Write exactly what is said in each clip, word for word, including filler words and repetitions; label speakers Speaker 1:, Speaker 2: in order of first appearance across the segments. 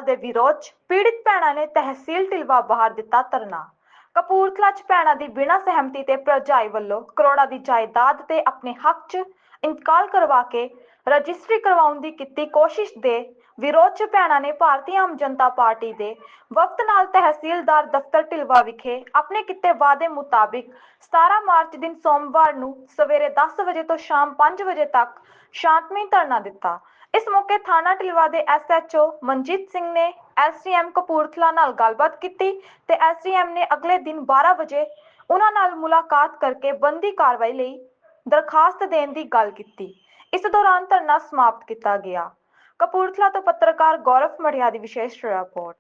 Speaker 1: ਦੇ ਵਿਰੋਧ 'ਚ ਪੀੜਿਤ ਭੈਣਾਂ ਨੇ ਤਹਿਸੀਲ ਢਿਲਵਾ ਬਾਹਰ ਦਿੱਤਾ ਧਰਨਾ। ਕਪੂਰਥਲਾ 'ਚ ਭੈਣਾਂ ਦੀ ਬਿਨਾਂ ਸਹਿਮਤੀ ਤੇ ਭਰਜਾਈ ਵੱਲੋਂ ਕਰੋੜਾਂ ਦੀ ਜਾਇਦਾਦ ਤੇ ਆਪਣੇ ਹੱਕ 'ਚ ਇੰਤਕਾਲ ਕਰਵਾ ਕੇ ਰਜਿਸਟਰੀ ਕਰਵਾਉਣ ਦੀ ਕੀਤੀ ਕੋਸ਼ਿਸ਼ ਦੇ ਵਿਰੋਧ 'ਚ ਭੈਣਾਂ ਨੇ ਭਾਰਤੀ ਆਮ ਜਨਤਾ ਪਾਰਟੀ ਦੇ ਵਫਦ ਨਾਲ ਤਹਿਸੀਲਦਾਰ ਦਫ਼ਤਰ ਢਿਲਵਾ ਵਿਖੇ ਆਪਣੇ ਕੀਤੇ ਵਾਅਦੇ ਮੁਤਾबिक ਸਤਾਰਾਂ ਮਾਰਚ ਦਿਨ ਸੋਮਵਾਰ ਨੂੰ ਸਵੇਰੇ दस ਵਜੇ ਤੋਂ ਸ਼ਾਮ पाँच ਵਜੇ तक शांतमई धरना दिता। इस मौके थाना ढिलवा के S H O Manjit Singh ने एस डी एम कपूरथला नाल गलबात की ते एस डी एम ने अगले दिन बारह बजे उन्हां नाल मुलाकात करके बनदी कार्रवाई लई दरखास्त देने की गल की। इस दौरान धरना समाप्त किया गया। कपूरथला तो पत्रकार गौरव मढ़िया की विशेष रिपोर्ट।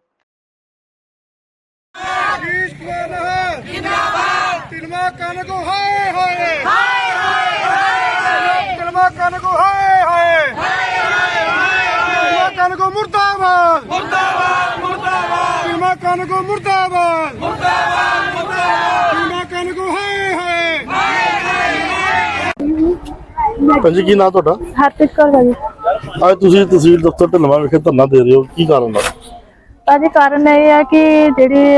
Speaker 2: मुर्दाबाद मुर्दाबाद मुर्दाबाद फिल्मा कानगो मुर्दाबाद मुर्दाबाद मुर्दाबाद फिल्मा कानगो हाय हाय।
Speaker 3: पंजी की नाम ਤੁਹਾਡਾ?
Speaker 4: ਹਰਪ੍ਰੀਤ ਕੌਰ ਭਾਜੀ।
Speaker 3: ਅੱਜ ਤੁਸੀਂ ਤਹਿਸੀਲ ਦਫ਼ਤਰ ਢਿਲਵਾਂ ਵਿਖੇ ਧਰਨਾ ਦੇ ਰਹੇ ਹੋ, ਕੀ ਕਾਰਨ ਹੈ?
Speaker 4: ਭਾਜੀ ਕਾਰਨ ਇਹ ਹੈ ਕਿ ਜਿਹੜੀ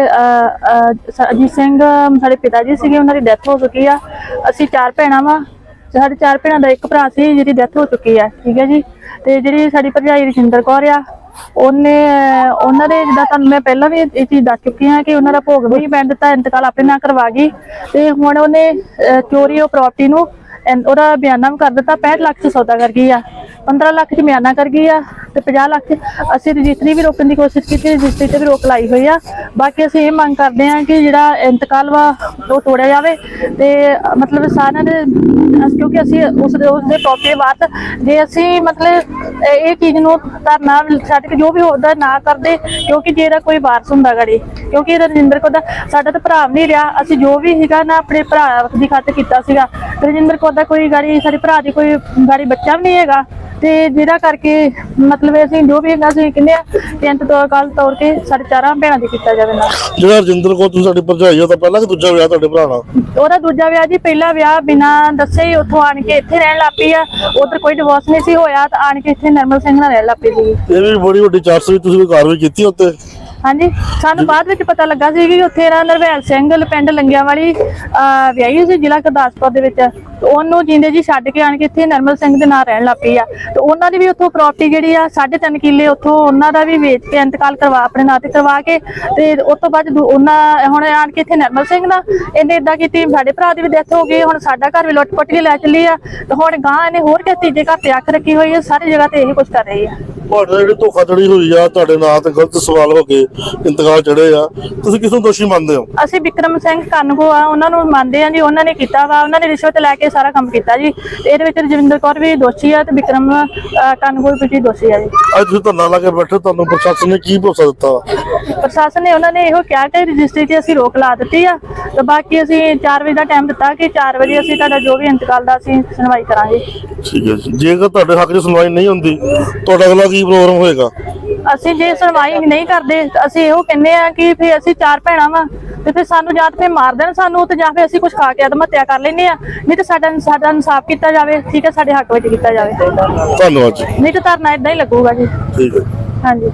Speaker 4: ਅਜੀਤ ਸਿੰਘ ਸਾਡੇ ਪਿਤਾ ਜੀ ਸੀਗੇ, ਉਹਨਾਂ ਦੀ ਡੈਥ ਹੋ ਚੁੱਕੀ ਆ। ਅਸੀਂ ਚਾਰ ਭੈਣਾਂ ਵਾ, ਸਾਡੇ ਚਾਰ ਭੈਣਾਂ ਦਾ ਇੱਕ ਭਰਾ ਸੀ ਜਿਹਦੀ ਡੈਥ ਹੋ ਚੁੱਕੀ ਆ, ਠੀਕ ਹੈ ਜੀ। ਤੇ ਜਿਹੜੀ ਸਾਡੀ ਭਰਜਾਈ ਰਜਿੰਦਰ ਕੌਰ ਆ, ਉਹਨੇ ਉਹਨਾਂ ਦੇ ਜਿੱਦਾਂ ਤੁਹਾਨੂੰ ਮੈਂ ਪਹਿਲਾਂ ਵੀ ਇਹ ਚੀਜ਼ ਦੱਸ ਚੁੱਕੀ ਹਾਂ ਕਿ ਉਹਨਾਂ ਦਾ ਭੋਗ ਵੀ ਪੈਣ ਦਿੱਤਾ, ਇੰਤਕਾਲ ਆਪਣੇ ਨਾਲ ਕਰਵਾ ਗਈ। ਤੇ ਹੁਣ ਉਹਨੇ ਚੋਰੀ ਉਹ ਪ੍ਰਾਪਰਟੀ ਨੂੰ ਉਹਦਾ ਬਿਆਨਾ ਵੀ ਕਰ ਦਿੱਤਾ। पैंठ ਲੱਖ ਚ ਸੌਦਾ ਕਰ ਗਈ ਆ, पंद्रह ਲੱਖ ਚ ਬਿਆਨਾ ਕਰ ਗਈ ਆ ਤੇ पचास ਲੱਖ ਚ ਅਸੀਂ ਰਜਿਸਟਰੀ ਵੀ ਰੋਕਣ ਦੀ ਕੋਸ਼ਿਸ਼ ਕੀਤੀ, ਰਜਿਸਟਰੀ ਤੇ ਵੀ ਰੋਕ ਲਾਈ ਹੋਈ ਆ। ਬਾਕੀ ਅਸੀਂ ਇਹ ਮੰਗ ਕਰਦੇ ਹਾਂ ਕਿ ਜਿਹੜਾ ਇੰਤਕਾਲ ਵਾ ਉਹ ਤੋੜਿਆ ਜਾਵੇ ਤੇ ਮਤਲਬ ਸਾਰਿਆਂ ਦੇ, ਕਿਉਂਕਿ ਅਸੀਂ ਉਸ ਦੇ ਉਸਦੇ ਪ੍ਰਾਪਰਟੀ ਬਾਤ ਜੇ ਅਸੀਂ ਮਤਲਬ ਇਹ ਚੀਜ਼ ਨੂੰ ਧਰਨਾ ਛੱਡ ਕੇ ਜੋ ਵੀ ਹੁੰਦਾ ਨਾ ਕਰਦੇ, ਕਿਉਂਕਿ ਜੇ ਇਹਦਾ ਕੋਈ ਵਾਰਸ ਹੁੰਦਾ ਗਾੜੀ, ਕਿਉਂਕਿ ਇਹਦਾ ਰਜਿੰਦਰ ਕੌਰ ਦਾ ਸਾਡਾ ਤਾਂ ਭਰਾ ਨਹੀਂ ਰਿਹਾ। ਅਸੀਂ ਜੋ ਵੀ ਸੀਗਾ ਨਾ ਆਪਣੇ ਭਰਾ ਦੀ ਖਾਤਰ ਕੀਤਾ ਸੀਗਾ। ਰਜਿੰਦਰ ਕੌਰ ਦਾ ਕੋਈ ਗਾੜੀ ਸਾਡੇ ਭਰਾ ਦੀ ਕੋਈ ਗਾੜੀ ਬੱਚਾ ਵੀ ਨਹੀਂ ਹੈਗਾ ਤੇ ਜਿਹਦਾ ਕਰਕੇ ਮਤਲਬ ਅਸੀਂ ਜੋ ਵੀ ਹੈਗਾ ਅਸੀਂ ਕਹਿੰਦੇ ਆ ਟੈਂਟ ਤੋਂ ਕੱਲ ਤੌਰ ਤੇ ਸਾਡੇ ਚਾਰਾਂ ਭੈਣਾਂ ਦੀ ਕੀਤਾ ਜਾਵੇ ਨਾ।
Speaker 3: ਜਿਹੜਾ ਰਜਿੰਦਰ ਕੌਰ ਤੁਸੀਂ ਸਾਡੀ ਭਰਜਾਈ ਆ, ਤਾਂ ਪਹਿਲਾਂ ਕਿ ਦੂਜਾ ਵਿਆਹ ਤੁਹਾਡੇ ਭਰਾ ਨਾਲ?
Speaker 4: ਉਹਦਾ ਦੂਜਾ ਵਿਆਹ ਜੀ, ਪਹਿਲਾ ਵਿਆਹ ਬਿਨਾਂ ਦੱਸੇ ਹੀ ਉੱਥੋਂ ਆਣ ਕੇ ਇੱਥੇ ਰਹਿਣ ਲੱਗ ਪਈ ਆ। ਉਧਰ ਕੋਈ ਡਿਵੋਰਸ ਨਹੀਂ ਸੀ ਹੋਇਆ ਤਾਂ ਆਣ ਕੇ ਇੱਥੇ ਨਰਮਲ ਸਿੰਘ ਨਾਲ ਰਹਿਣ ਲੱਗ ਪਈ ਸੀ।
Speaker 3: ਇਹ ਵੀ ਬੜੀ ਵੱਡੀ ਚਾਰਜ ਵੀ ਤੁਸੀਂ ਕੋਈ ਕਾਰਵਾਈ ਕੀਤੀ ਉੱਤੇ?
Speaker 4: ਹਾਂਜੀ, ਸਾਨੂੰ ਬਾਅਦ ਵਿੱਚ ਪਤਾ ਲੱਗਾ ਸੀ ਕਿ ਉੱਥੇ ਨਾ ਨਰਵੈਲ ਸਿੰਘ ਪਿੰਡ ਲੰਗਿਆਂ ਵਾਲੀ ਵਿਆਹੀ ਸੀ ਜ਼ਿਲ੍ਹਾ ਗੁਰਦਾਸਪੁਰ ਦੇ ਵਿੱਚ। ਉਹਨੂੰ ਜਿੰਦੇ ਜੀ ਛੱਡ ਕੇ ਆਣ ਕੇ ਇੱਥੇ ਨਰਮਲ ਸਿੰਘ ਦੇ ਨਾਲ ਰਹਿਣ ਲੱਗ ਪਈ ਆ। ਤੇ ਉਹਨਾਂ ਦੀ ਵੀ ਉੱਥੋਂ ਪ੍ਰਾਪਰਟੀ ਜਿਹੜੀ ਆ ਸਾਢੇ ਤਿੰਨ ਕਿੱਲੇ ਉੱਥੋਂ ਉਹਨਾਂ ਦਾ ਵੀ ਵੇਚ ਕੇ ਇੰਤਕਾਲ ਕਰਵਾ ਆਪਣੇ ਨਾਂ ਤੇ ਕਰਵਾ ਕੇ ਤੇ ਉਸ ਤੋਂ ਬਾਅਦ ਉਹਨਾਂ ਹੁਣ ਆਣ ਕੇ ਇੱਥੇ ਨਰਮਲ ਸਿੰਘ ਨਾਲ ਇਹਨੇ ਏਦਾਂ ਕੀਤੀ। ਸਾਡੇ ਭਰਾ ਦੀ ਵੀ ਡੈਥ ਹੋ ਗਈ, ਹੁਣ ਸਾਡਾ ਘਰ ਵੀ ਲੁੱਟ ਪੁੱਟ ਕੇ ਲੈ ਚੱਲੀ ਆ ਤੇ ਹੁਣ ਗਾਂ ਇਹਨੇ ਹੋਰ ਕਿਸੇ ਤੀਜੇ ਘਰ ਤੇ ਅੱਖ ਰੱਖੀ ਹੋਈ ਹੈ। ਸਾਰੀ ਜਗ੍ਹਾ ਤੇ ਇਹੀ ਕੁਛ ਕਰ ਰਹੀ ਆ।
Speaker 3: ਤੁਹਾਡੇ ਜਿਹੜੀ ਧੋਖਾਧੜੀ ਹੋਈ ਆ, ਤੁਹਾਡੇ ਨਾਂ ਤੇ ਗਲਤ ਸਵਾਲ ਹੋ ਕੇ ਇੰਤਕਾਲ ਚੜੇ ਆ, ਤੁਸੀਂ ਕਿਸ ਨੂੰ ਦੋਸ਼ੀ ਮੰਨਦੇ ਹੋ?
Speaker 4: ਅਸੀਂ ਵਿਕਰਮ ਸਿੰਘ ਕਾਨਗੋ ਆ, ਉਹਨਾਂ ਨੂੰ ਮੰਨਦੇ ਆ ਜੀ। ਉਹਨਾਂ ਨੇ ਕੀਤਾ ਵਾ, ਉਹਨਾਂ ਨੇ ਰਿਸ਼ਵਤ ਲੈ ਕੇ ਸਾਰਾ ਕੰਮ ਕੀਤਾ ਜੀ। ਤੇ ਇਹਦੇ ਵਿੱਚ ਰਜਿੰਦਰ ਕੌਰ ਵੀ ਦੋਸ਼ੀ ਆ ਤੇ ਵਿਕਰਮ ਕਾਨਗੋ ਵੀ ਦੋਸ਼ੀ ਆ ਜੀ।
Speaker 3: ਅੱਜ ਤੁਸੀਂ ਧਰਨਾ ਲਾ ਕੇ ਬੈਠੇ, ਤੁਹਾਨੂੰ ਪ੍ਰਸ਼ਾਸਨ ਨੇ ਕੀ ਭਰੋਸਾ ਦਿੱਤਾ?
Speaker 4: ਪ੍ਰਸ਼ਾਸਨ ਨੇ ਉਹਨਾਂ ਨੇ ਇਹੋ ਕਿਹਾ ਕਿ ਰਜਿਸਟਰੀ ਤੇ ਅਸੀਂ ਰੋਕ ਲਾ ਦਿੱਤੀ ਆ ਤੇ ਬਾਕੀ ਅਸੀਂ ਚਾਰ ਵਜੇ ਦਾ ਟਾਈਮ ਦਿੱਤਾ ਕਿ ਚਾਰ ਵਜੇ ਅਸੀਂ ਤੁਹਾਡਾ ਜੋ ਵੀ ਇੰਤਕਾਲ ਦਾ ਅਸੀਂ ਸੁਣਵਾਈ ਕਰਾਂਗੇ।
Speaker 3: ਠੀਕ ਹੈ ਜੀ। ਜੇਕਰ ਤੁਹਾਡੇ ਹੱਕ 'ਚ ਸੁਣਵਾਈ ਨਹੀਂ ਹੁੰਦੀ, ਤੁਹਾਡਾ ਅਗਲਾ ਕੀ ਪ੍ਰੋਗਰਾਮ ਹੋਏਗਾ?
Speaker 4: ਅਸੀਂ ਜੇ ਸੁਣਵਾਈ ਨਹੀਂ ਕਰਦੇ ਅਸੀਂ ਇਹੋ ਕਹਿੰਦੇ ਆ ਕਿ ਫਿਰ ਅਸੀਂ ਚਾਰ ਭੈਣਾਂ ਵਾ ਤੇ ਫਿਰ ਸਾਨੂੰ ਜਾਂ ਫਿਰ ਮਾਰ ਦੇਣ ਸਾਨੂੰ ਤੇ ਜਾਂ ਫਿਰ ਅਸੀਂ ਕੁਝ ਖਾ ਕੇ ਆਤਮ ਹੱਤਿਆ ਕਰ ਲੈਂਦੇ ਆ, ਨਹੀਂ ਤੇ ਸਾਡਾ ਸਾਡਾ ਇਨਸਾਫ ਕੀਤਾ ਜਾਵੇ, ਠੀਕ ਹੈ, ਸਾਡੇ ਹੱਕ ਵਿੱਚ ਕੀਤਾ ਜਾਵੇ।
Speaker 3: ਧੰਨਵਾਦ ਜੀ।
Speaker 4: ਨਹੀਂ ਤੇ ਧਰਨਾ ਏਦਾਂ ਹੀ ਲੱਗੂਗਾ ਜੀ।
Speaker 3: ਠੀਕ ਹੈ।
Speaker 4: ਹਾਂਜੀ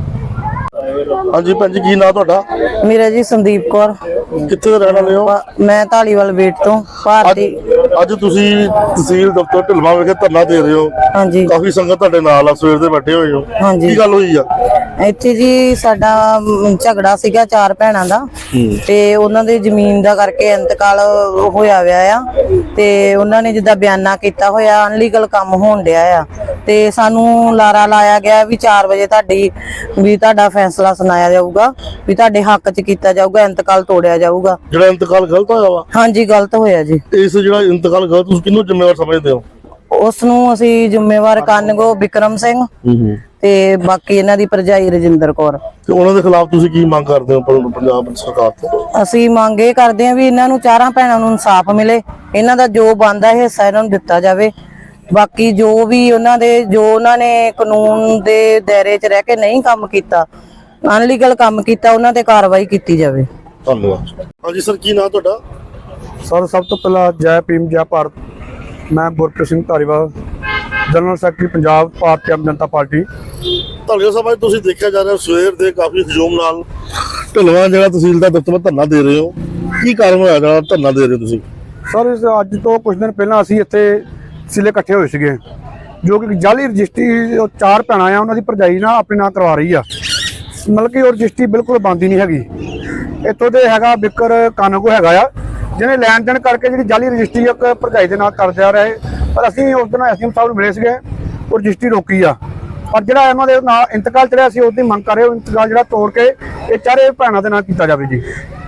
Speaker 3: ਹਾਂਜੀ ਭੈਣ ਜੀ, ਕੀ ਨਾਂ ਤੁਹਾਡਾ?
Speaker 5: ਮੇਰਾ ਜੀ ਸੰਦੀਪ ਕੌਰ।
Speaker 3: ਕਿੱਥੇ ਦੇ ਰਹਿਣ ਵਾਲੇ ਹੋ?
Speaker 5: ਮੈਂ ਢਾਲੀਵਾਲ ਵੇਟ ਤੋਂ ਭਾਰਤੀ।
Speaker 3: ਅੱਜ ਤੁਸੀਂ ਤਹਿਸੀਲ ਦਫ਼ਤਰ ਢਿਲਵਾਂ ਵਿਖੇ ਧਰਨਾ ਦੇ ਰਹੇ ਹੋ।
Speaker 5: ਹਾਂਜੀ,
Speaker 3: ਕਾਫੀ ਸੰਗਤ ਤੁਹਾਡੇ ਨਾਲ ਆ, ਸਵੇਰ ਦੇ ਬੈਠੇ ਹੋਏ ਹੋ।
Speaker 5: ਹਾਂਜੀ,
Speaker 3: ਕੀ ਗੱਲ ਹੋਈ ਆ
Speaker 5: ਇੱਥੇ ਜੀ? ਸਾਡਾ ਝਗੜਾ ਸੀਗਾ ਚਾਰ ਭੈਣਾਂ ਦਾ ਤੇ ਉਹਨਾਂ ਦੇ ਜ਼ਮੀਨ ਦਾ ਕਰਕੇ ਇੰਤਕਾਲ ਹੋਇਆ ਵਿਆ ਆ ਤੇ ਉਹਨਾਂ ਨੇ ਜਿੱਦਾਂ ਬਿਆਨਾ ਕੀਤਾ ਹੋਇਆ ਅਨਲੀਗਲ ਕੰਮ ਹੋਣ ਡਿਆ ਆ ਤੇ ਸਾਨੂੰ ਲਾਰਾ ਲਾਇਆ ਗਿਆ ਵੀ ਚਾਰ ਵਜੇ ਤੁਹਾਡੀ ਵੀ ਤੁਹਾਡਾ ਫੈਸਲਾ ਸੁਣਾਇਆ ਜਾਊਗਾ, ਵੀ ਤੁਹਾਡੇ ਹੱਕ 'ਚ ਕੀਤਾ ਜਾਊਗਾ, ਇੰਤਕਾਲ ਤੋੜਿਆ ਜਾਊਗਾ।
Speaker 3: ਜਿਹੜਾ ਇੰਤਕਾਲ ਗਲਤ ਹੋਇਆ ਵਾ?
Speaker 5: ਹਾਂਜੀ, ਗਲਤ ਹੋਇਆ ਜੀ।
Speaker 3: ਇਸ ਜਿਹੜਾ ਇੰਤਕਾਲ ਗਲਤ, ਤੁਸੀਂ ਕਿਹਨੂੰ ਜ਼ਿੰਮੇਵਾਰ ਸਮਝਦੇ ਹੋ?
Speaker 5: ਉਸ ਨੂੰ ਅਸੀਂ ਜ਼ਿੰਮੇਵਾਰ ਕਾਨਗੋ ਵਿਕਰਮ ਸਿੰਘ ਤੇ ਬਾਕੀ ਇਹਨਾਂ ਦੀ ਭਰਜਾਈ ਰਜਿੰਦਰ ਕੌਰ।
Speaker 3: ਤੇ ਉਹਨਾਂ ਦੇ ਖਿਲਾਫ ਤੁਸੀਂ ਕੀ ਮੰਗ ਕਰਦੇ ਹੋ ਪੰਜਾਬ ਸਰਕਾਰ ਤੋਂ?
Speaker 5: ਅਸੀਂ ਮੰਗ ਇਹ ਕਰਦੇ ਹਾਂ ਵੀ ਇਹਨਾਂ ਨੂੰ ਚਾਰਾਂ ਭੈਣਾਂ ਨੂੰ ਇਨਸਾਫ ਮਿਲੇ, ਇਹਨਾਂ ਦਾ ਜੋ ਬਣਦਾ ਹਿੱਸਾ ਇਹਨਾਂ ਨੂੰ ਦਿੱਤਾ ਜਾਵੇ। ਬਾਕੀ ਜੋ ਵੀ ਉਹਨਾਂ ਦੇ ਜੋ ਉਹਨਾਂ ਨੇ ਕਾਨੂੰਨ ਦੇ ਦਾਇਰੇ 'ਚ ਰਹਿ ਕੇ ਨਹੀਂ ਕੰਮ ਕੀਤਾ, ਅਨਲੀਗਲ ਕੰਮ ਕੀਤਾ, ਉਹਨਾਂ ਤੇ ਕਾਰਵਾਈ ਕੀਤੀ ਜਾਵੇ।
Speaker 3: ਧੰਨਵਾਦ। ਹਾਂਜੀ ਸਰ, ਕੀ ਨਾਮ ਤੁਹਾਡਾ?
Speaker 6: ਸਰ ਸਭ ਤੋਂ ਪਹਿਲਾਂ ਜੈ ਭੀਮ ਜੈ ਭਾਰਤ। ਮੈਂ Gurpreet Singh Dhariwal, general secretary Punjab Bharatiya Aam Janata party.
Speaker 3: Dhalia Sahib, ਅੱਜ ਤੁਸੀਂ ਦੇਖਿਆ ਜਾ ਰਿਹਾ ਸਵੇਰ ਦੇ ਕਾਫੀ ਹਜੂਮ ਨਾਲ ਢਿਲਵਾਂ ਜਿਹੜਾ ਤਹਿਸੀਲ ਦਾ ਦਫ਼ਤਰ ਧਰਨਾ ਦੇ ਰਹੇ ਹੋ, ਕੀ ਕਾਰਨ ਹੋਇਆ ਜਿਹੜਾ ਧਰਨਾ ਦੇ ਰਹੇ ਹੋ ਤੁਸੀਂ?
Speaker 6: ਸਰ ਇਸ ਅੱਜ ਤੋਂ ਕੁਝ ਦਿਨ ਪਹਿਲਾਂ ਅਸੀਂ ਇੱਥੇ ਸਿਲੇ ਇਕੱਠੇ ਹੋਏ ਸੀਗੇ, ਜੋ ਕਿ ਜਾਲੀ ਰਜਿਸਟਰੀ ਉਹ ਚਾਰ ਭੈਣਾਂ ਆ ਉਹਨਾਂ ਦੀ ਭਰਜਾਈ ਨਾਲ ਆਪਣੇ ਨਾਂ ਕਰਵਾ ਰਹੀ ਆ, ਮਤਲਬ ਕਿ ਉਹ ਰਜਿਸਟਰੀ ਬਿਲਕੁਲ ਬੰਦ ਹੀ ਨਹੀਂ ਹੈਗੀ। ਇੱਥੋਂ ਦੇ ਹੈਗਾ ਬਿਕਰ ਕਾਨੂੰਗੋ ਹੈਗਾ ਆ, ਜਿਹਨੇ ਲੈਣ ਦੇਣ ਕਰਕੇ ਜਿਹੜੀ ਜਾਲੀ ਰਜਿਸਟਰੀ ਇੱਕ ਭਰਜਾਈ ਦੇ ਨਾਲ ਕਰ ਜਾ ਰਿਹਾ ਹੈ, ਪਰ ਅਸੀਂ ਉਸ ਦਿਨ ਐਸਡੀਐਮ ਸਾਹਿਬ ਨੂੰ ਮਿਲੇ ਸੀਗੇ, ਉਹ ਰਜਿਸਟਰੀ ਰੋਕੀ ਆ। ਪਰ ਜਿਹੜਾ ਇਹਨਾਂ ਦੇ ਨਾਲ ਇੰਤਕਾਲ ਚੜਿਆ ਸੀ ਉਸ ਦੀ ਮੰਗ ਕਰ ਰਹੇ ਹੋ, ਇੰਤਕਾਲ ਜਿਹੜਾ ਤੋੜ ਕੇ ਇਹ ਚਾਰੇ ਭੈਣਾਂ ਦੇ ਨਾਲ ਕੀਤਾ ਜਾਵੇ ਜੀ।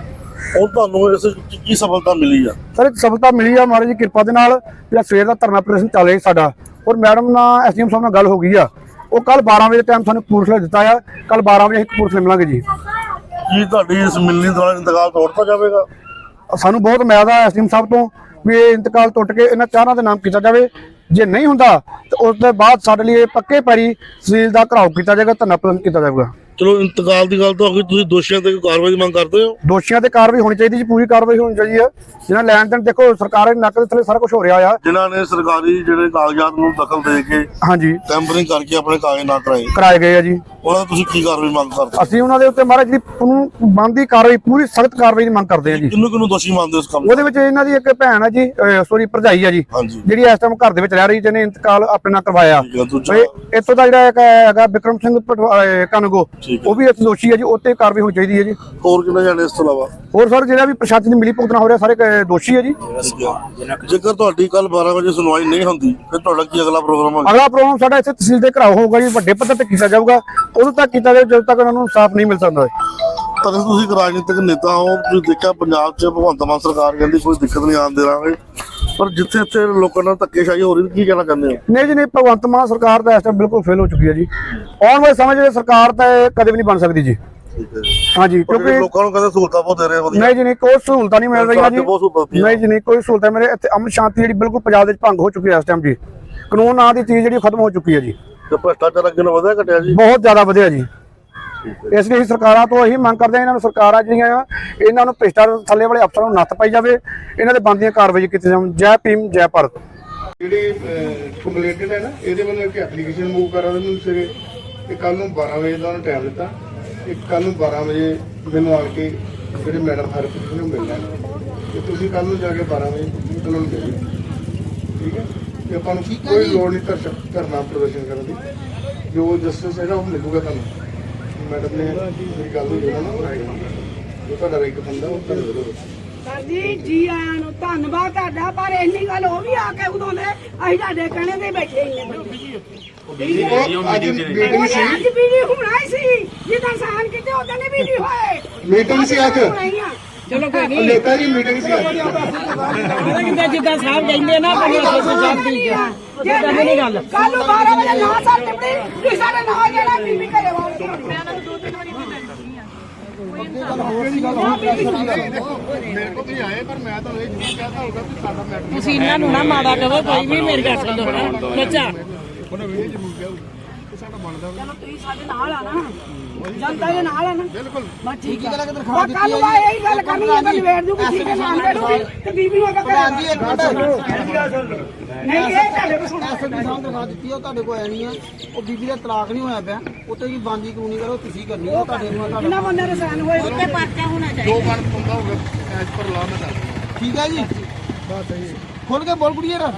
Speaker 3: ਹੁਣ ਤੁਹਾਨੂੰ ਇਸ ਵਿੱਚ ਕੀ ਸਫਲਤਾ ਮਿਲੀ ਆ?
Speaker 6: ਸਰ ਇੱਕ ਸਫਲਤਾ ਮਿਲੀ ਆ ਮਹਾਰਾਜ ਦੀ ਕਿਰਪਾ ਦੇ ਨਾਲ। ਜਿਹੜਾ ਸਵੇਰ ਦਾ ਧਰਨਾ ਪ੍ਰਦਰਸ਼ਨ ਚੱਲ ਰਿਹਾ ਸਾਡਾ, ਔਰ ਮੈਡਮ ਨਾਲ ਐਸਡੀਐਮ ਸਾਹਿਬ ਨਾਲ ਗੱਲ ਹੋ ਗਈ ਆ, ਉਹ ਕੱਲ ਬਾਰਾਂ ਵਜੇ ਟਾਈਮ ਸਾਨੂੰ ਕਪੂਰਥਲੇ ਦਿੱਤਾ ਆ, ਕੱਲ ਬਾਰਾਂ ਵਜੇ ਅਸੀਂ ਕਪੂਰਥਲੇ ਮਿਲਾਂਗੇ ਜੀ।
Speaker 3: ਕੀ ਤੁਹਾਡੀ ਇਸ ਮਿਲਣੀ ਦੌਰਾਨ ਇੰਤਕਾਲ ਤੋੜਤਾ ਜਾਵੇਗਾ?
Speaker 6: ਸਾਨੂੰ ਬਹੁਤ ਉਮੀਦ ਆ ਐਸਡੀਐਮ ਸਾਹਿਬ ਤੋਂ ਵੀ ਇਹ ਇੰਤਕਾਲ ਟੁੱਟ ਕੇ ਇਹਨਾਂ ਚਾਰਾਂ ਦੇ ਨਾਮ ਕੀਤਾ ਜਾਵੇ। ਜੇ ਨਹੀਂ ਹੁੰਦਾ ਤਾਂ ਉਸ ਤੋਂ ਬਾਅਦ ਸਾਡੇ ਲਈ ਪੱਕੇ ਪੈਰੀ ਤਹਿਸੀਲ ਦਾ ਘਰਾਓ ਕੀਤਾ ਜਾਏਗਾ, ਧਰਨਾ ਪ੍ਰਦਰਸ਼ਨ ਕੀਤਾ ਜਾਵੇਗਾ।
Speaker 3: ਚਲੋ ਇੰਤਕਾਲ ਦੀ ਗੱਲ ਤਾਂ ਹੋ ਗਈ, ਤੁਸੀਂ ਦੋਸ਼ੀਆਂ ਤੇ ਕੋਈ ਕਾਰਵਾਈ ਦੀ ਮੰਗ ਕਰਦੇ ਹੋ?
Speaker 6: ਦੋਸ਼ੀਆਂ ਤੇ ਕਾਰਵਾਈ ਹੋਣੀ ਚਾਹੀਦੀ ਜੀ, ਪੂਰੀ ਕਾਰਵਾਈ ਹੋਣੀ ਚਾਹੀਦੀ ਹੈ। ਜਿਹਨਾਂ ਲੈਣ ਦੇਣ ਦੇਖੋ ਸਰਕਾਰ ਦੇ ਨੱਕ ਦੇ ਥੱਲੇ ਸਾਰਾ ਕੁਝ ਹੋ ਰਿਹਾ ਆ,
Speaker 3: ਜਿਨ੍ਹਾਂ ਨੇ ਸਰਕਾਰੀ ਜਿਹੜੇ ਕਾਗਜ਼ਾਤ ਨੂੰ ਦਖਲ ਦੇ ਕੇ
Speaker 6: ਹਾਂਜੀ
Speaker 3: ਟੈਂਪਰਿੰਗ ਕਰਕੇ ਆਪਣੇ ਕਾਗਜ਼ ਨਾ ਕਰਾਏ,
Speaker 6: ਕਰਾਏ ਗਏ ਆ ਜੀ।
Speaker 3: ਉਹਨਾਂ ਦਾ ਤੁਸੀਂ ਕੀ ਕਾਰਵਾਈ ਮੰਗ ਕਰਦੇ?
Speaker 6: ਅਸੀਂ ਉਹਨਾਂ ਦੇ ਉੱਤੇ ਮਹਾਰਾਜ ਜਿਹੜੀ ਕਾਨੂੰਨ ਬਣਦੀ ਕਾਰਵਾਈ, ਪੂਰੀ ਸਖਤ ਕਾਰਵਾਈ ਦੀ ਮੰਗ ਕਰਦੇ ਆ ਜੀ।
Speaker 3: ਕਿਹਨੂੰ ਕਿਹਨੂੰ ਦੋਸ਼ੀ ਮੰਨਦੇ ਉਸ ਕੰਮ?
Speaker 6: ਉਹਦੇ ਵਿੱਚ ਇਹਨਾਂ ਦੀ ਇੱਕ ਭੈਣ ਆ ਜੀ, ਸੋਰੀ ਭਰਜਾਈ ਆ ਜੀ,
Speaker 3: ਹਾਂਜੀ,
Speaker 6: ਜਿਹੜੀ ਇਸ ਟਾਈਮ ਘਰ ਦੇ ਵਿੱਚ ਰਹਿ ਰਹੀ, ਜਿਹਨੇ ਇੰਤਕਾਲ ਆਪਣੇ ਨਾਲ ਕਰਵਾਇਆ।
Speaker 3: ਠੀਕ ਹੈ, ਦੂਜਾ
Speaker 6: ਇਹ- ਇੱਥੋਂ ਦਾ ਜਿਹੜਾ ਇੱਕ ਹੈਗਾ ਬਿਕਰਮ ਸਿੰਘ ਕਾਨੂੰਗੋ,
Speaker 3: ਠੀਕ ਹੈ।
Speaker 6: ਉਹ ਵੀ ਇਸ ਦੋਸ਼ੀ ਹੈ ਜੀ, ਉੱਤੇ ਕਾਰਵਾਈ ਹੋਣੀ ਚਾਹੀਦੀ ਹੈ ਜੀ।
Speaker 3: ਹੋਰ ਕਿੰਨੇ ਜਾਣੇ ਇਸ ਤੋਂ ਇਲਾਵਾ?
Speaker 6: ਹੋਰ ਸਰ ਜਿਹੜਾ ਵੀ ਪ੍ਰਸ਼ਾਸਨ ਦੀ ਮਿਲੀ ਭੁਗਤਣਾ ਹੋ ਰਿਹਾ, ਸਾਰੇ ਕ- ਦੋਸ਼ੀ ਹੈ ਜੀ।
Speaker 3: ਜੇਕਰ ਤੁਹਾਡੀ ਕੱਲ ਬਾਰਾਂ ਵਜੇ ਸੁਣਵਾਈ ਨਹੀਂ ਹੁੰਦੀ ਫਿਰ ਤੁਹਾਡਾ ਕੀ ਅਗਲਾ ਪ੍ਰੋਗਰਾਮ ਹੋਵੇਗਾ?
Speaker 6: ਅਗਲਾ ਪ੍ਰੋਗਰਾਮ ਸਾਡਾ ਇੱਥੇ ਤਹਿਸੀਲ ਦੇ ਘਰਾਓ ਹੋਊਗਾ ਜੀ, ਵੱਡੇ ਪੱਧਰ ਤੇ ਕੀਤਾ ਜਾਊਗਾ। ਉਦੋਂ ਤੱਕ ਕੀਤਾ ਜਾਵੇ ਜਦੋਂ ਤੱਕ ਉਹਨਾਂ ਨੂੰ ਇਨਸਾਫ ਨਹੀਂ ਮਿਲ ਸਕਦਾ।
Speaker 3: ਪਰ ਤੁਸੀਂ ਇੱਕ ਰਾਜਨੀਤਿਕ ਨੇਤਾ ਹੋ, ਤੁਸੀਂ ਦੇਖਿਆ ਪੰਜਾਬ 'ਚ ਭਗਵੰਤ ਮਾਨ ਸਰਕਾਰ ਕਹਿੰਦੀ ਕੋਈ ਦਿੱਕਤ ਨਹੀਂ ਆਉਣ ਦੇਵਾਂਗੇ, ਪਰ ਜਿੱਥੇ ਇੱਥੇ ਲੋਕਾਂ ਨਾਲ ਧੱਕੇਸ਼ਾਹੀ ਹੋ ਰਹੀ, ਕੀ ਕਹਿਣਾ ਚਾਹੁੰਦੇ ਹੋ?
Speaker 6: ਨਹੀਂ ਜੀ ਨਹੀਂ, ਭਗਵੰਤ ਮਾਨ ਸਰਕਾਰ ਤਾਂ ਇਸ ਟਾਈਮ ਬਿਲਕੁਲ ਫੇਲ ਹੋ ਚੁੱਕੀ ਹੈ ਜੀ। ਆਉਣ ਵਾਲੇ ਸਮੇਂ 'ਚ ਸਰਕਾਰ ਤਾਂ ਇਹ ਕਦੇ ਵੀ ਨਹੀਂ ਬਣ ਸਕਦੀ ਜੀ। ਹਾਂਜੀ, ਕਿਉਂਕਿ
Speaker 3: ਲੋਕਾਂ ਨੂੰ ਕਹਿੰਦੇ ਸਹੂਲਤਾਂ ਬਹੁਤ ਦੇ ਰਹੇ ਵਧੀਆ।
Speaker 6: ਨਹੀਂ ਜੀ ਨਹੀਂ, ਕੋਈ ਸਹੂਲਤਾਂ ਨਹੀਂ ਮਿਲ ਰਹੀਆਂ ਜੀ।
Speaker 3: ਬਹੁਤ ਸਹੂਲਤਾਂ
Speaker 6: ਨਹੀਂ ਜੀ ਨਹੀਂ, ਕੋਈ ਸਹੂਲਤਾਂ ਮੇਰੇ ਇੱਥੇ ਅਮਨ ਸ਼ਾਂਤੀ ਜਿਹੜੀ ਬਿਲਕੁਲ ਪੰਜਾਬ ਦੇ ਵਿੱਚ ਭੰਗ ਹੋ ਚੁੱਕੀ ਹੈ ਇਸ ਟਾਈਮ ਜੀ। ਕਾਨੂੰਨ ਨਾਂ ਦੀ ਚੀਜ਼ ਜਿਹੜੀ ਖਤਮ ਹੋ ਚੁੱਕੀ ਹੈ ਜੀ।
Speaker 3: ਤੇ ਭ੍ਰਿਸ਼ਟਾਚਾਰ ਅੱਗੇ ਨਾਲੋਂ ਵਧਿਆ ਘਟਿਆ ਜੀ?
Speaker 6: ਬਹੁਤ ਜ਼ਿਆਦਾ ਵਧਿਆ ਜੀ। ਇਸ ਲਈ ਸਰਕਾਰਾਂ ਤੋਂ ਇਹੀ ਮੰਗ ਕਰਦੇ ਆ, ਇਹਨਾਂ ਨੂੰ ਸਰਕਾਰਾਂ ਜਿਹੜੀਆਂ ਆ ਇਹਨਾਂ ਨੂੰ ਭ੍ਰਿਸ਼ਟਾਚਾਰ ਥੱਲੇ ਵਾਲੇ ਅਫਸਰਾਂ ਨੂੰ ਨੱਥ ਪਾਈ ਜਾਵੇ, ਇਹਨਾਂ ਦੇ ਬਣਦੀਆਂ ਕਾਰਵਾਈ ਕੀਤੀ ਜਾਵੇ। ਜੈ ਭੀਮ ਜੈ ਭਾਰਤ।
Speaker 2: ਜਿਹੜੇ ਕੰਪਲੇਂਟਡ ਹੈ ਨਾ, ਇਹਦੇ ਵੱਲੋਂ ਇੱਕ ਐਪਲੀਕੇਸ਼ਨ ਮੂਵ ਕਰਾ ਉਹਨੂੰ ਸਵੇਰੇ, ਤੇ ਕੱਲ ਨੂੰ ਬਾਰਾਂ ਵਜੇ ਦਾ ਉਹਨੂੰ ਟਾਈਮ ਦਿੱਤਾ। ਇੱਕ ਕੱਲ ਨੂੰ ਬਾਰਾਂ ਵਜੇ ਮੈਨੂੰ ਆ ਕੇ ਜਿਹੜੇ ਮੈਡਮ ਹਰਪ੍ਰੀਤ ਨੂੰ ਮਿਲਣਾ, ਤੇ ਤੁਸੀਂ ਕੱਲ ਨੂੰ ਜਾ ਕੇ ਬਾਰਾਂ ਵਜੇ ਉਹਨਾਂ ਨੂੰ ਮਿਲੋ, ਠੀਕ ਹੈ? ਤੇ ਆਪਾਂ ਨੂੰ ਕੋਈ ਲੋੜ ਨਹੀਂ ਧਰ ਧਰਨਾ ਪ੍ਰਦਰਸ਼ਨ ਕਰਨ ਦੀ, ਜੋ ਜਸਟਿਸ ਹੈਗਾ ਉਹ ਮਿਲੂਗਾ ਤੁਹਾਨੂੰ। ਮੈਡਮ ਨੇ ਮੇਰੀ ਗੱਲ ਹੋਈ ਉਹਨਾਂ ਨਾਲ, ਜੋ ਤੁਹਾਡਾ ਇੱਕ ਬੰਦਾ ਉਹ ਤੁਹਾਨੂੰ ਮਿਲੂਗਾ।
Speaker 7: ਸਰ ਜੀ ਜੀ ਆਇਆਂ ਨੂੰ ਧੰਨਵਾਦ ਤੁਹਾਡਾ, ਪਰ ਇੰਨੀ ਗੱਲ ਉਹ ਵੀ ਆ ਕੇ ਉਦੋਂ ਦੇ ਅਸੀਂ ਤੁਹਾਡੇ ਕਹਿਣੇ ਤੇ ਬੈਠੇ ਹੀ ਨੇ ਬੰਦੇ।
Speaker 2: ਉਹ ਅੱਜ ਮੀਟਿੰਗ ਸੀ,
Speaker 7: ਅੱਜ ਵੀਡੀਓ ਹੋਣਾ ਹੀ ਸੀ, ਜਿੱਦਾਂ ਸਾਨ ਕਿਤੇ ਉਦੋਂ ਨੇ ਵੀਡੀਓ ਹੋਏ।
Speaker 2: ਮੀਟਿੰਗ ਸੀ ਅੱਜ,
Speaker 7: ਚਲੋ ਕੋਈ ਨਹੀਂ,
Speaker 2: ਨੇਤਾ ਜੀ ਮੀਟਿੰਗ ਸੀ ਅੱਜ।
Speaker 7: ਜਿੱਦਾਂ ਜਿੱਦਾਂ ਸਾਹਿਬ ਕਹਿੰਦੇ ਨਾ ਪੰਜ ਸੌ ਸਾਹਿਬ ਦੀ ਜਿੱਦਾਂ ਨਹੀਂ ਗੱਲ ਕੱਲ ਨੂੰ ਬਾਰਾਂ ਵਜੇ ਨਾ ਸਰ ਟਿਪੜੀ ਤੁਸੀਂ ਸਾਡੇ ਨਾਲ ਜਿਹੜਾ ਬੀਬੀ ਘਰੇ ਵਾਪਸ ਮੈਂ ਉਹਨਾਂ ਨੂੰ ਦੋ ਤਿੰਨ ਵਾਰੀ ਇੱਥੇ
Speaker 2: ਮੇਰੇ ਕੋਲ ਤੁਸੀਂ ਆਏ, ਪਰ ਮੈਂ ਤੁਹਾਨੂੰ ਇਹ ਜ਼ਰੂਰ ਕਹਿਤਾ ਹੋਊਗਾ ਕਿ ਸਾਡਾ ਮੈਟਰ
Speaker 7: ਤੁਸੀਂ ਇਹਨਾਂ ਨੂੰ ਨਾ ਮਾੜਾ ਕਹੋ, ਕੋਈ ਵੀ ਮੇਰੀ ਗੱਲ ਸੁਣੋ ਨਾ ਬੱਚਾ।
Speaker 2: ਉਹਨੇ ਇਹ ਜ਼ਰੂਰ ਕਿਹਾ ਕਿ ਸਾਡਾ ਬਣਦਾ
Speaker 7: ਚਲੋ ਤੁਸੀਂ ਸਾਡੇ ਨਾਲ ਆ ਨਾ, ਜਨਤਾ ਦੇ ਨਾਲ ਆ ਨਾ।
Speaker 2: ਬਿਲਕੁਲ।
Speaker 7: ਬਸ ਠੀਕ ਹੈ, ਉਹ ਕੱਲ ਨੂੰ ਆ ਇਹੀ ਗੱਲ ਕਰਨੀ ਹੈ ਤਾਂ ਨਿਬੇੜ ਦੂਗੀ, ਠੀਕ ਹੈ? ਨਾਮ ਦੇੜੂਗੀ ਤੇ ਬੀਬੀ ਨੂੰ ਅੱਗੇ ਕਰਾਂਗੀ। ਨਹੀਂ ਇਹ ਤੁਹਾਡੇ ਕੋਲ ਸੁਣੋ,
Speaker 8: ਐਸਐਸਪੀ ਸਾਹਿਬ ਦਿਖਾ ਦਿੱਤੀ ਉਹ ਤੁਹਾਡੇ ਕੋਲ ਆਣੀ ਆ। ਉਹ ਬੀਬੀ ਦਾ ਤਲਾਕ ਨਹੀਂ ਹੋਇਆ ਪਿਆ, ਉੱਤੇ ਕੀ ਬੰਦੀ ਕਾਨੂੰਨੀ ਕਰੋ ਤੁਸੀਂ ਕਰਨੀ ਆ, ਤੁਹਾਡੇ ਨੂੰ ਤੁਹਾਡਾ
Speaker 7: ਕਿੰਨਾ ਬੰਦੇ ਦੇ ਸਾਨ ਹੋਏ ਉੱਤੇ ਪਰਚਾ ਹੋਣਾ ਚਾਹੀਦਾ।
Speaker 2: ਦੋ ਮਨ ਪੰਦਾ ਹੋਊਗਾ ਐਸ ਪਰ ਲਾ ਮੈਂ ਦੱਸ।
Speaker 8: ਠੀਕ ਹੈ ਜੀ, ਖੁੱਲ ਕੇ ਬੋਲ ਕੁੜੀਏ ਰ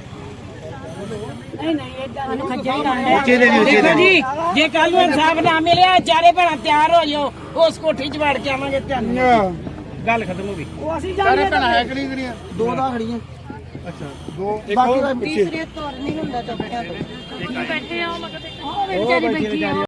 Speaker 7: ਨਹੀਂ ਨਹੀਂ ਇਦਾਂ ਨੂੰ ਖੱਜਾ ਹੀ ਰਹਿੰਦਾ। ਦੇਖੋ ਜੀ, ਜੇ ਕੱਲ ਨੂੰ ਇਨਸਾਫ ਨਾ ਮਿਲਿਆ, ਚਾਰੇ ਭੈਣਾਂ ਤਿਆਰ ਹੋ ਜਾਓ, ਉਸ ਕੋਠੀ 'ਚ ਵੜ ਕੇ ਆਵਾਂਗੇ। ਤੁਹਾਨੂੰ ਗੱਲ ਖਤਮ ਹੋ ਗਈ। ਉਹ ਅਸੀਂ
Speaker 2: ਸਾਰੇ
Speaker 7: ਜਾਣਦੇ
Speaker 2: ਭੈਣਾਂ ਹੈ ਕਿ ਨਹੀਂ ਕਿਹੜੀਆਂ?
Speaker 8: ਦੋ ਦਾ ਖੜੀਆਂ।
Speaker 2: ਅੱਛਾ, ਦੋ
Speaker 8: ਬਾਕੀ ਦਾ ਪਿੱਛੇ
Speaker 7: ਤੀਸਰੇ ਤੁਰ ਨਹੀਂ ਹੁੰਦਾ ਚੱਕਿਆ ਤੋਂ ਬੈਠੇ ਆ, ਮਗਰ ਉਹ ਵਿਚਾਰੀ ਬੈਠੀ ਆ।